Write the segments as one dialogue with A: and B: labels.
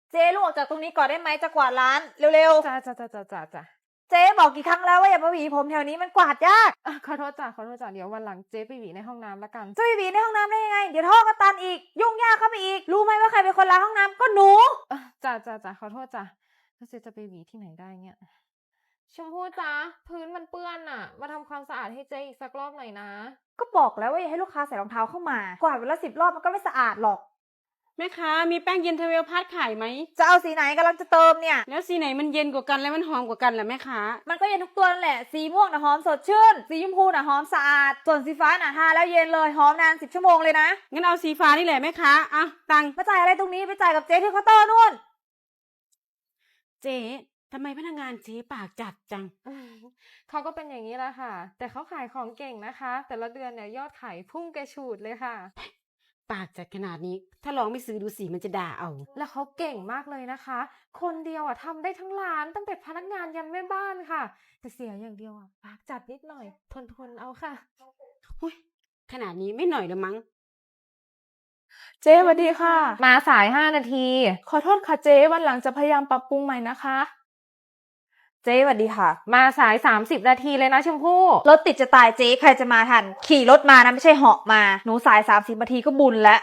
A: เจ๊ลุกออกจากตรงนี้ก่อนได้ไหมจะกวาดร้านเร็ว
B: จ้า
A: ๆเจ๊บอกกี่ครั้งแล้วว่าอย่ามาหวีผมแถวนี้มันกวาดยาก
B: ขอโทษจ้าเดี๋ยววันหลังเจ๊ไปหวีในห้องน้ำละกัน
A: จะไปหวีในห้องน้ำได้ยังไงเดี๋ยวท่อก็ตันอีกยุ่งยากเข้าไปอีกรู้ไหมว่าใครเป็นคนล้างห้องน้ำก็หนู
B: จ้าขอโทษจ้าแล้วเจ๊จะไปหวีที่ไหนได้เนี่ยชมพู่จ้าพื้นมันเปื้อนอ่ะมาทำความสะอาดให้เจ๊อีกสักรอบหน่อยนะ
A: ก็บอกแล้วว่าอย่าให้ลูกค้าใส่รองเท้าเข้ามากวาดวันละ10 รอบมันก็ไม่สะอาดหรอก
C: แม่ค้ามีแป้งเย็นเทเวลพัดขายไหม
A: จะเอาสีไหนกำลังจะเติมเนี่ย
C: แล้วสีไหนมันเย็นกว่ากันและมันหอมกว่ากันล่ะแม่ค้า
A: มันก็เย็นทุกตัวนั่นแหละสีม่วงน่ะหอมสดชื่นสีชมพูน่ะหอมสะอาดส่วนสีฟ้าน่ะทาแล้วเย็นเลยหอมนาน10 ชั่วโมงเลยนะ
C: งั้นเอาสีฟ้านี่แหละแม่ค้าอ่ะตังค์
A: มาจ่ายอะไรตรงนี้ไปจ่ายกับเจ๊ที่เคาน์เตอร์นู่น
C: เจ๊ทำไมพนักงานเจ๊ปากจัดจัง
B: เขาก็เป็นอย่างนี้แหละค่ะ แต่เขาขายของเก่งนะคะ แต่ละเดือนเนี่ยยอดขายพุ่งกระฉูดเลยค่ะ
C: ปากจัดขนาดนี้ ถ้าลองไม่ซื้อดูสิมันจะด่าเอา
B: แล้วเขาเก่งมากเลยนะคะ คนเดียวอ่ะทำได้ทั้งร้านตั้งแต่พนักงานยันแม่บ้านค่ะ แต่เสียอย่างเดียวอ่ะปากจัดนิดหน่อย ทนเอาค่ะ
C: หุ้ยขนาดนี้ไม่หน่อยละมั้ง
D: เจ๊สวัสดีค่ะ
B: มาสาย5 นาที
D: ขอโทษค่ะเจ๊วันหลังจะพยายามปรับปรุงใหม่นะคะ
A: เจ๊สวัสดีค่ะ
B: มาสาย30 นาทีเลยนะชมพู่
A: รถติดจะตายเจ๊ใครจะมาทันขี่รถมานะไม่ใช่เหาะมาหนูสาย30 นาทีก็บุญแล้ว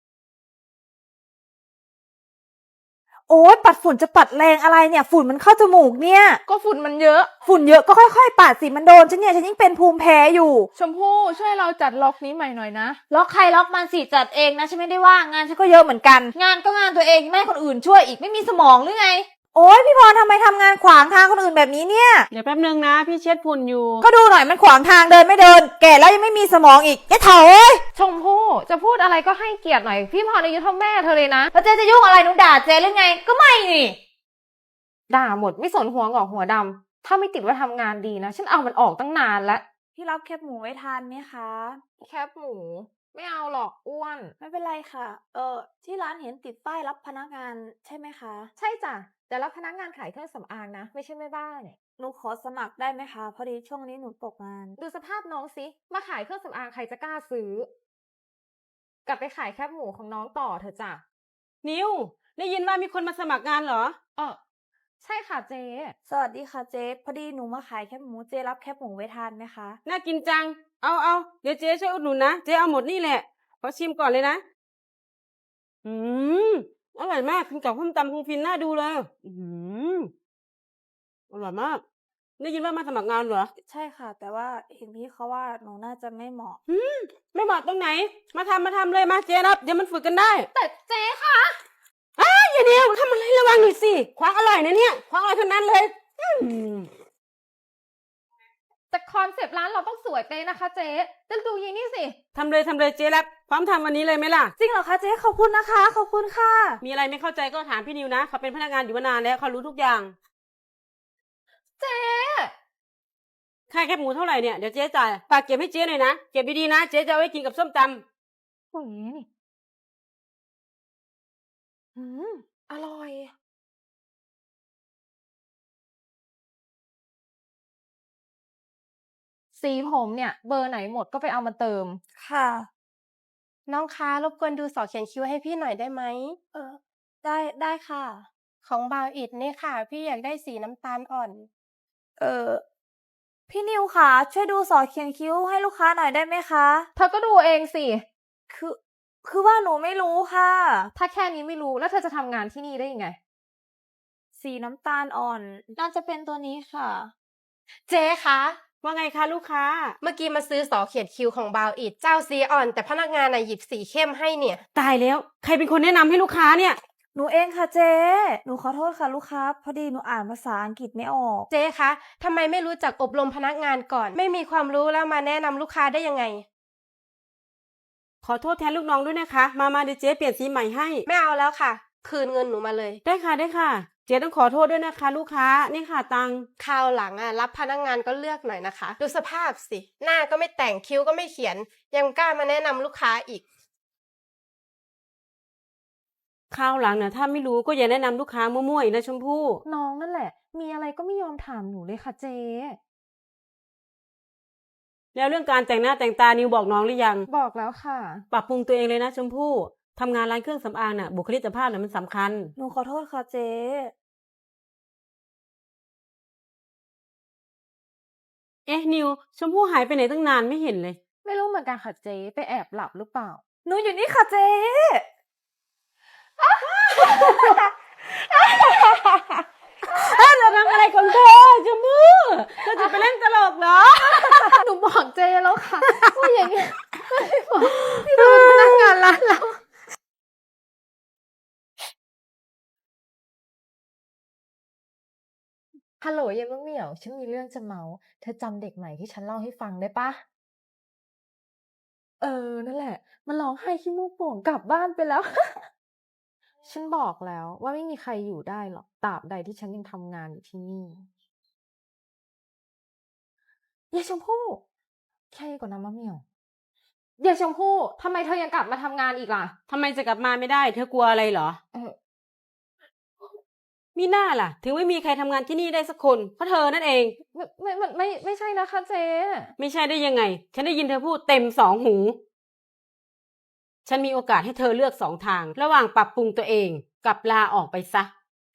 A: โอ๊ยปัดฝุ่นจะปัดแรงอะไรเนี่ยฝุ่นมันเข้าจมูกเนี่ย
D: ก็ฝุ่นมันเยอะ
A: ฝุ่นเยอะก็ค่อยๆปัดสิมันโดนฉันเนี่ยฉันยิ่งเป็นภูมิแพ้อยู่
D: ชมพู่ช่วยเราจัดล็อกนี้ใหม่หน่อยนะ
A: ล็อกใครล็อกมันสิจัดเองนะฉันไม่ได้ว่างงานฉันก็เยอะเหมือนกัน งานก็งานตัวเองไม่ให้คนอื่นช่วยอีกไม่มีสมองหรือไงโอ๊ยพี่พรทำไมทำงานขวางทางคนอื่นแบบนี้เนี่ย
C: เดี๋ยวแป๊บนึงนะพี่เช็ดฝุ่นอยู่
A: ก็ดูหน่อยมันขวางทางเดินไม่เดิน แก่แล้วยังไม่มีสมองอีกแกเถอะเอ้ย
B: ชมพู่จะพูดอะไรก็ให้เกียรติหน่อย พี่พรอายุเท่าแม่เธอเลยนะ
A: แล้วเจ๊จะยุ่งอะไรหนูด่าเจ๊หรือไงก็ไม่นี่
B: ด่าหมดไม่สนหัวงอกหัวดำถ้าไม่ติดว่าทำงานดีนะฉันเอามันออกตั้งนานแล้ว
A: พี่รับแคบหมูไว้ทานไหมคะ
B: แคบหมู ไม่เอาหรอกอ้วน
A: ไม่เป็นไรค่ะ ที่ร้านเห็นติดป้ายรับพนักงานใช่ไหมคะ
B: ใช่จ้ะแต่รับพนักงานขายเครื่องสำอางนะ ไม่ใช่แม่บ้าน
A: หนูขอสมัครได้ไหมคะ พอดีช่วงนี้หนูตกงาน
B: ดูสภาพน้องสิมาขายเครื่องสำอางใครจะกล้าซื้อ กลับไปขายแคบหมูของน้องต่อเถอะจ้ะ
C: นิวได้ยินว่ามีคนมาสมัครงานเหรอ
B: ใช่ค่ะเจ๊
A: สวัสดีค่ะเจ๊พอดีหนูมาขายแคบหมูเจ๊รับแคบหมูไว้ทานไหมคะ
C: น่ากินจัง เอาเดี๋ยวเจ๊ช่วยอุดหนุนนะ เจ๊เอาหมดนี่แหละ ขอชิมก่อนเลยนะ อืมอร่อยมากกินกับส้มตำคงฟินน่าดูเลย อร่อยมาก ได้ยินว่ามาสมัครงานเหรอ
A: ใช่ค่ะ แต่ว่าเห็นพี่เขาว่าหนูน่าจะไม่เหมาะ
C: ไม่เหมาะตรงไหน มาทำเลยมาเจ๊รับ เดี๋ยวมันฝึกกันได้
B: แต่เจ๊ค่ะ
C: อย่าเดียวทำอะไรระวังหน่อยสิควางอร่อยนะเนี่ยควางอร่อยเท่านั้นเลย
B: แต่คอนเซปต์ร้านเราต้องสวยเป๊ะนะคะเจ๊จะดูยีนี่สิ
C: ทำเลยเจ๊รับ พร้อมทำวันนี้เลยไหมล่ะ
A: จริงเหรอคะเจ๊ขอบคุณนะคะ ขอบคุณค่ะ
C: มีอะไรไม่เข้าใจก็ถามพี่นิวนะ เขาเป็นพนักงานอยู่มานานแล้วเขารู้ทุกอย่าง
B: เจ๊
C: ค่าแคบหมูเท่าไหร่เนี่ย เดี๋ยวเจ๊จ่าย ฝากเก็บให้เจ๊หน่อยนะ เก็บดีๆนะ เจ๊จะเอาไว้กินกับส้มตำ
B: โอ้ยนี่อร่อย สีผมเนี่ยเบอร์ไหนหมดก็ไปเอามาเติม
A: ค่ะ
E: น้องคะรบกวนดูสอเขียนคิ้วให้พี่หน่อยได้ไหม
A: ได้ค่ะ
E: ของบาวอิดนี่ค่ะ พี่อยากได้สีน้ำตาลอ่อน
A: พี่นิวค่ะช่วยดูสอเขียนคิ้วให้ลูกค้าหน่อยได้ไหมคะ
B: เธอก็ดูเองสิ
A: คือว่าหนูไม่รู้ค่ะ
B: ถ้าแค่นี้ไม่รู้แล้วเธอจะทำงานที่นี่ได้ยังไง
A: สีน้ำตาลอ่อน น่าจะเป็นตัวนี้ค่ะ
E: เจ๊คะ
C: ว่าไงคะลูกค้า
E: เมื่อกี้มาซื้อสอเขียนคิ้วของบาวอิดเจ้าสีอ่อน แต่พนักงานน่ะหยิบสีเข้มให้เนี่ย
C: ตายแล้ว ใครเป็นคนแนะนำให้ลูกค้าเนี่ย
A: หนูเองค่ะเจ๊หนูขอโทษค่ะลูกค้า พอดีหนูอ่านภาษาอังกฤษไม่ออก
E: เจ๊คะทำไมไม่รู้จักอบรมพนักงานก่อน ไม่มีความรู้แล้วมาแนะนำลูกค้าได้ยังไง
C: ขอโทษแทนลูกน้องด้วยนะคะ มาเดี๋ยวเจ๊เปลี่ยนสีใหม่ให้
E: ไม่เอาแล้วค่ะ คืนเงินหนูมาเลย
C: ได้ค่ะ เจ๊ต้องขอโทษด้วยนะคะ ลูกค้า นี่ค่ะตังค์
E: คราวหลังรับพนักงานก็เลือกหน่อยนะคะ ดูสภาพสิ หน้าก็ไม่แต่งคิ้วก็ไม่เขียน ยังกล้ามาแนะนำลูกค้าอีก
C: คราวหลังนะถ้าไม่รู้ก็อย่าแนะนำลูกค้ามั่วๆอีกนะชมพู่
B: น้องนั่นแหละ มีอะไรก็ไม่ยอมถามหนูเลยค่ะเจ๊
C: แล้วเรื่องการแต่งหน้าแต่งตานิวบอกน้องหรือยัง
B: บอกแล้วค่ะ
C: ปรับปรุงตัวเองเลยนะชมพู่ทำงานร้านเครื่องสำอางน่ะบุคลิกภาพน่ะมันสำคัญ
A: หนูขอโทษค่ะเจ๊
C: เอ๊ะนิวชมพู่หายไปไหนตั้งนานไม่เห็นเลย
B: ไม่รู้เหมือนกันค่ะเจ๊ไปแอบหลับหรือเปล่า
A: หนูอยู่นี่ค่ะเจ๊
C: จะทำอะไรของเธอชมพู่เธอจะไปเล่นตลกเหรอ
B: หนูบอกเจ๊แล้วค่ะว่าอย่างเงี้ยไม่บอกที่เราเป็นพนักงานร้านเรา ฮัลโหลยายมะเหมี่ยว ฉันมีเรื่องจะเมาเธอจำเด็กใหม่ที่ฉันเล่าให้ฟังได้ปะ นั่นแหละ มันร้องไห้ขี้มูกโป่งกลับบ้านไปแล้ว ฉันบอกแล้วว่าไม่มีใครอยู่ได้หรอกตราบใดที่ฉันยังทำงานอยู่ที่นี่ยายชมพู่แค่ก่อนนะมะเหมี่ยวยายชมพู่ทำไมเธอยังกลับมาทำงานอีกล่ะ
C: ทำไมจะกลับมาไม่ได้ เธอกลัวอะไรเหรอ
B: เออ
C: มีหน้าล่ะ ถึงไม่มีใครทำงานที่นี่ได้สักคน เพราะเธอนั่นเอง
B: ไม่ใช่นะคะเจ๊
C: ไม่ใช่ได้ยังไง ฉันได้ยินเธอพูดเต็มสองหู ฉันมีโอกาสให้เธอเลือกสองทาง ระหว่างปรับปรุงตัวเองกับลาออกไปซะ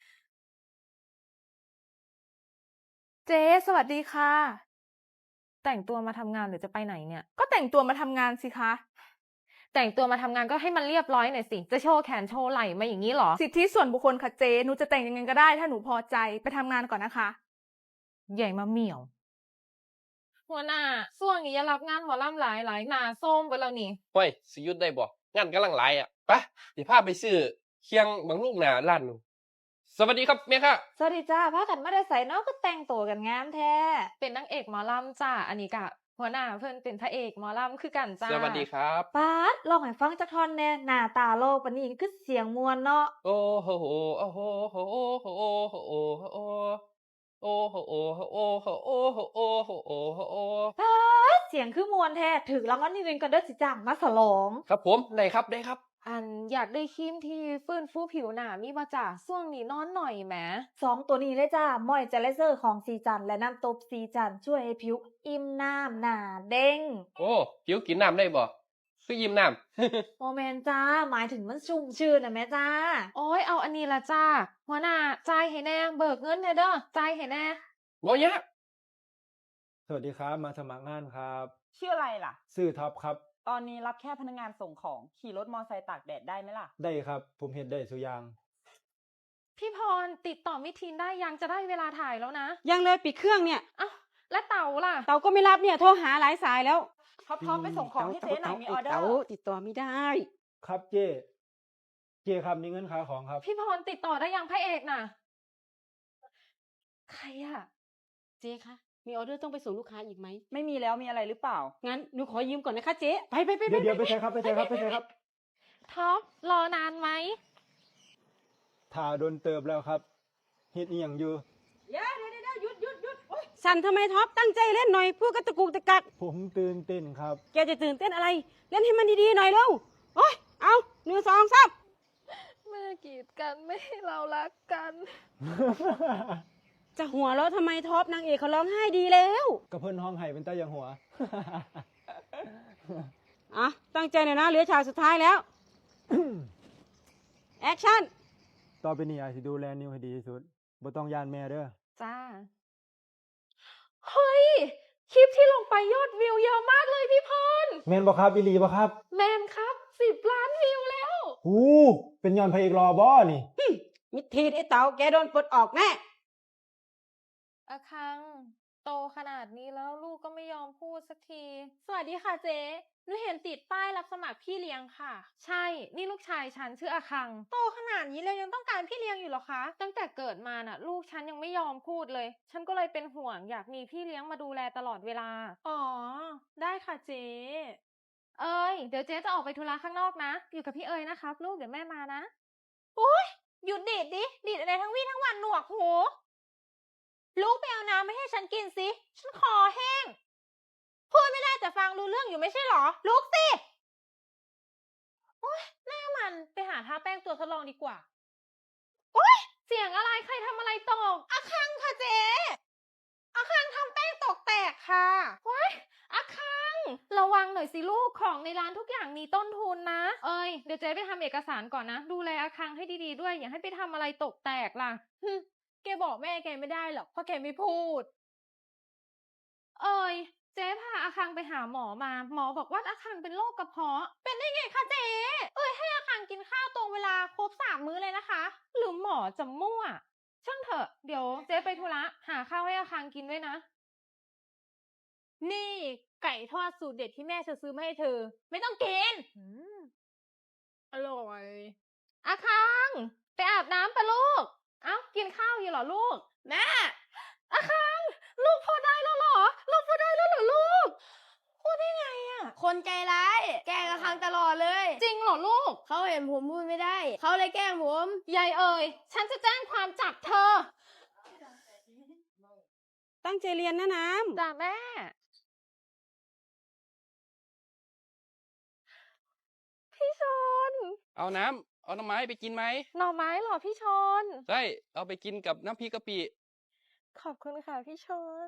D: เจ๊สวัสดีค่ะ
B: แต่งตัวมาทำงานหรือจะไปไหนเนี่ย
D: ก็แต่งตัวมาทำงานสิคะ
B: แต่งตัวมาทำงานก็ให้มันเรียบร้อยหน่อยสิ จะโชว์แขนโชว์ไหล่มาอย่างนี้เหรอ
D: สิทธิส่วนบุคคลค่ะเจ๊หนูจะแต่งยังไงก็ได้ถ้าหนูพอใจไปทำงานก่อนนะคะ
B: ใหญ่มาเหมี่ยว หัวหน้าส่วงนี้อย่ารับงานหมอลำหลายหนาส้มไปแล้วนี่
F: ห้วยสิหยุดได้บ่งานกำลังหลายอ่ะไปเดี๋ยวพาไปซื้อเคียงบางลูกหนาร้านหนูสวัสดีครับแม่ค่ะ
A: สวัสดีจ้าพากันมาได้ใส่เนาะก็แต่งตัวกันงามแท้
B: เป็นนางเอกหมอลำจ้า อันนี้กะ หัวหน้าเพื่อนเป็นพระเอกหมอลำคือกันจ้า
F: สวัสดีครับ
A: ป๊าดลองให้ฟังจักท่อนแน่หน้าตาโลกปานนี้คือเสียงมวลเนาะ
F: โอ้โหโอ้โหโอ้โหโอ้โหโอ้โหโอ้โหโอ้โหโอ้โหโอ้โหโอ้โหโอ้โหโอ้โหโอ้
A: ป๊าดเสียงคือมวลแท้ถึกรางวัลที่หนึ่งกันเด้อสิจ้างมาฉลอง
F: ครับผมได้ครับได้ครับ
B: อันอยากได้ครีมที่ฟื้นฟูผิวหนามีมาจากส่วงนี้นอนหน่อยแหม
A: สองตัวนี้เลยจ้ามอยเจลเซอร์ของซีจันและน้ำตบซีจันช่วยให้ผิวอิ่มน้ำหนาเด้ง
F: โอ้ผิวกินน้ำได้บ่คือยิ้มน้ำ
A: โมเมนจ้าหมายถึงมันชุ่มชื่นนะแม่จ้า
B: โอ้ยเอาอันนี้ละจ้า หัวหน้าจ่ายให้แน่เบิกเงินแน่เด้อจ่ายให้แน่
F: บ่ยาก
G: สวัสดีครับ มาสมัครงานครับ
H: ชื่ออะไรล่ะ
G: ชื่อท็อปครับ
H: ตอนนี้รับแค่พนักงานส่งของ ขี่รถมอไซค์ตากแดดได้ไหมล่ะ
G: ได้ครับ ผมเห็นได้สุอยาง
B: พี่พรติดต่อมิทีนได้ยังจะได้เวลาถ่ายแล้วนะ
C: ยังเลยปิดเครื่องเนี่ย
B: เอ้าและเต่าล่ะ
C: เตาก็ไม่รับเนี่ยโทรหาหลายสายแล้ว
H: ท็อปไปส่งของให้เจ๊หน่อยมีออเดอ
C: เต๋า
H: ร์
C: ติดต่อไม่ได้
G: ครับเจครับนี่เงินค่าของครับ
B: พี่พรติดต่อได้ยังพระเอกน่ะ ใครอะ
C: เจ๊คะ มีออเดอร์ต้องไปส่งลูกค้าอีกไหม
H: ไม่มีแล้วมีอะไรหรือเปล่า
C: งั้นหนูขอยืมก่อนนะคะเจ๊ ไป
G: เดี๋ยวไปใช้ครับไปใช้ครับไปใช้ครับ
B: ท็อปรอนานไหม
G: ถ่าโดนเติบแล้วครับเฮ็ดอีหยังอยู่
H: เดี๋ยวหยุดโอ๊ย
C: สั่นทำไมท็อปตั้งใจเล่นหน่อยพูดกระตุกตะกัก
G: ผมตื่นเต้นครับ
C: แกจะตื่นเต้นอะไร เล่นให้มันดีๆหน่อยเร็ว โอ้ย เอา1 2 3
B: เมื่อกีดกันไม่ให้เรารักกัน
C: จะหัวเราะทำไมท็อปนางเอกเขาร้องไห้ดีแล้ว
G: กระเพิ่นห้องไห้เป็นตาอย่างหัว
C: อ่ะ ตั้งใจหน่อยนะเหลือฉากสุดท้ายแล้ว แอคชั่น
G: ต่อไปนี้อาจสิดูแลนิวให้ดีที่สุดบ่ต้องย่านแม่เด้อ
B: จ้า เฮ้ย คลิปที่ลงไปยอดวิวเยอะมากเลยพี่พร
G: แม่นบ่ครับอีหลีบ่ครับ
B: แมนครับ10 ล้านวิวแล้ว
G: หูเป็นย้อนพระเอกรอบ่นี่
C: มิดทีดไอ้เต๋าแกโดนปลดออกแน่
B: อาคัง โตขนาดนี้แล้วลูกก็ไม่ยอมพูดสักที สวัสดีค่ะเจ๊หนูเห็นติดป้ายรับสมัครพี่เลี้ยงค่ะ ใช่ นี่ลูกชายฉันชื่ออาคัง โตขนาดนี้เลยยังต้องการพี่เลี้ยงอยู่เหรอคะ ตั้งแต่เกิดมาน่ะ ลูกฉันยังไม่ยอมพูดเลย ฉันก็เลยเป็นห่วงอยากมีพี่เลี้ยงมาดูแลตลอดเวลา อ๋อ ได้ค่ะเจ๊เอ้ย เดี๋ยวเจ๊จะออกไปธุระข้างนอกนะ อยู่กับพี่เอ้ยนะครับลูกเดี๋ยวแม่มานะ โอ๊ย หยุดดีดดิ ดีดอะไรทั้งวี่ทั้งวันหนวกหู ลูกไปเอาน้ำไม่ให้ฉันกินสิ ฉันคอแห้ง พูดไม่ได้แต่ฟังรู้เรื่องอยู่ไม่ใช่หรอ ลุกสิ โอ๊ย หน้ามันไปหาทาแป้งตัวทดลองดีกว่า โอ๊ย เสียงอะไรใครทำอะไรตกอาคังค่ะเจ๊อาคังทำแป้งตกแตกค่ะโอ๊ยอาคังระวังหน่อยสิลูกของในร้านทุกอย่างมีต้นทุนนะ เอ้ยเดี๋ยวเจ๊ไปทำเอกสารก่อนนะ ดูแลอาคังให้ดีๆด้วย อย่าให้ไปทำอะไรตกแตกล่ะ
D: แกบอกแม่แกไม่ได้หรอกเพราะแกไม่พูด
B: เอ้ยเจ๊พาอาคังไปหาหมอมา หมอบอกว่าอาคังเป็นโรคกระเพาะ เป็นได้ไงคะเจ๊เอ้ยให้อาคังกินข้าวตรงเวลาครบ3 มื้อเลยนะคะ หรือหมอจะมั่ว ช่างเถอะ เดี๋ยวเจ๊ไปธุระหาข้าวให้อาคังกินด้วยนะ
D: นี่ไก่ทอดสูตรเด็ดที่แม่ซื้อมาให้เธอ ไม่ต้องกินอร่อย
B: อาคังไปอาบน้ำปะลูก เอ้ากินข้าวอยู่เหรอลูก
E: แม่
B: อาคังลูกพูดได้แล้วเหรอ ลูกพูดได้แล้วเหรอลูก พูดได้ไงอะ
E: คนใจร้าย แกล้งอาคังตลอดเลย
B: จริงเหรอลูก
E: เขาเห็นผมพูดไม่ได้ เขาเลยแกล้งผม
B: ยายเอ๋ยฉันจะแจ้งความจับเธอ
C: ตั้งใจเรียนนะน้ำ
B: จ้าแม่ พี่ชน
F: เอาน้ำเอาหน่อไม้ไปกินไหม
B: หน่อไม้เหรอพี่ชน
F: ใช่เอาไปกินกับน้ำพริกกะปิ
B: ขอบคุณค่ะพี่ชน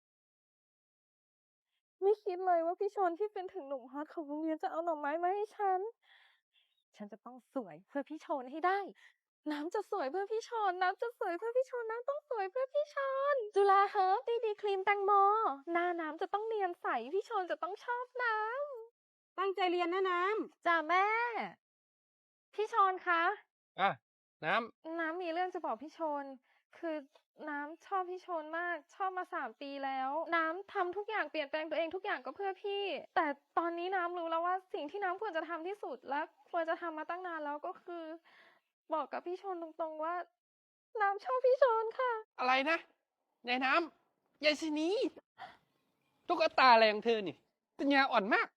B: ไม่คิดเลยว่าพี่ชนที่เป็นถึงหนุ่มฮอตของโรงเรียนจะเอาหน่อไม้มาให้ฉัน ฉันจะต้องสวยเพื่อพี่ชนให้ได้ น้ำจะสวยเพื่อพี่ชน น้ำจะสวยเพื่อพี่ชน น้ำต้องสวยเพื่อพี่ชน จุฬาเฮิร์บดีครีมแตงโม หน้าน้ำจะต้องเนียนใส พี่ชนจะต้องชอบน้ำ
C: ตั้งใจเรียนนะน้ำ
B: จ้าแม่ พี่ชนคะ
F: อ่ะ น้
B: น้ำมีเรื่องจะบอกพี่ชน คือน้ำชอบพี่ชนมาก ชอบมา3 ปีแล้ว น้ำทำทุกอย่างเปลี่ยนแปลงตัวเองทุกอย่างก็เพื่อพี่ แต่ตอนนี้น้ำรู้แล้วว่าสิ่งที่น้ำควรจะทำที่สุดและควรจะทำมาตั้งนานแล้วก็คือ บอกกับพี่ชนตรงๆว่า น้ำชอบพี่ชนค่ะ
F: ำอะไรนะยายน้ำยายสินีตุ๊กตาอะไรของเธอนี่ปัญญาอ่อนมาก